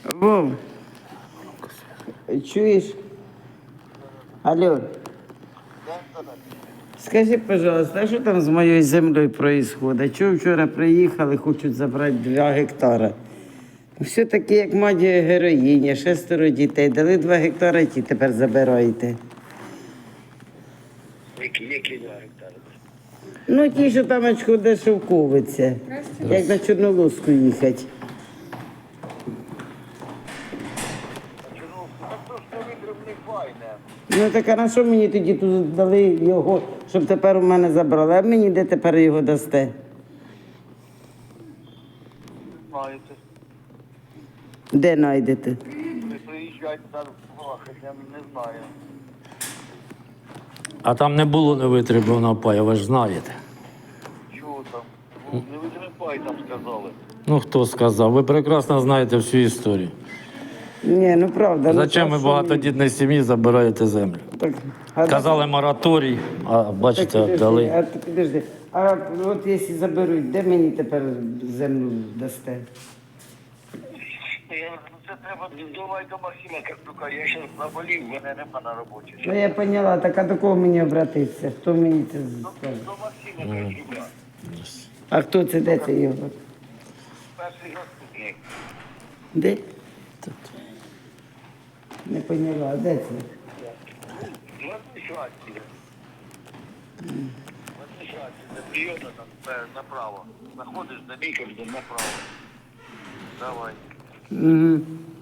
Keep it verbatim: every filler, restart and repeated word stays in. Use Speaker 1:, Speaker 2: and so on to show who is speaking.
Speaker 1: Вов, чуєш? Алло. Скажи, пожалуйста, а що там з моєю землею відбувається? Чого вчора приїхали, хочуть забрати два гектара? Все-таки як мать героїня, шестеро дітей, дали два гектара, ті тепер забираєте.
Speaker 2: Які, які два гектари?
Speaker 1: Ну, ті, що там очко де шовковиться, як на Чорнолоску їхати.
Speaker 2: Чому? Так то що витримний файне.
Speaker 1: Ну так а на що мені тоді тут дали його, щоб тепер у мене забрали? А мені де тепер його дасте?
Speaker 2: Знаєте,
Speaker 1: Де знайдете?
Speaker 2: ви приїжджайте там плакати, я не знаю.
Speaker 3: А там не було невитребуваного паю, ви ж знаєте.
Speaker 2: Чого там? Не витримай там сказали.
Speaker 3: Ну хто сказав? Ви прекрасно знаєте всю історію.
Speaker 1: Ні, ну правда. ну,
Speaker 3: Зачем
Speaker 1: так
Speaker 3: ви
Speaker 1: що
Speaker 3: багатодітній сім'ї забираєте землю?
Speaker 1: Так, а
Speaker 3: Казали мораторій, а
Speaker 1: так,
Speaker 3: бачите,
Speaker 1: підожди,
Speaker 3: дали.
Speaker 1: А, ти підожди. А от якщо заберуть, де мені тепер землю дасте?
Speaker 2: Я, ну, це треба давай до Максима Карпюка. Я зараз заболів, мене нема на роботі.
Speaker 1: Ну я поняла, так а до кого мені обратитися? Хто мені це скаже?
Speaker 2: До Максима Карпюка.
Speaker 1: А хто це, де це його?
Speaker 2: Перший заступник.
Speaker 1: Де? Не поняла, а де це?
Speaker 2: В адміністрації. В адміністрації, де прийоми там е, направо. Заходиш до лікаря, направо. Давай.
Speaker 1: Угу.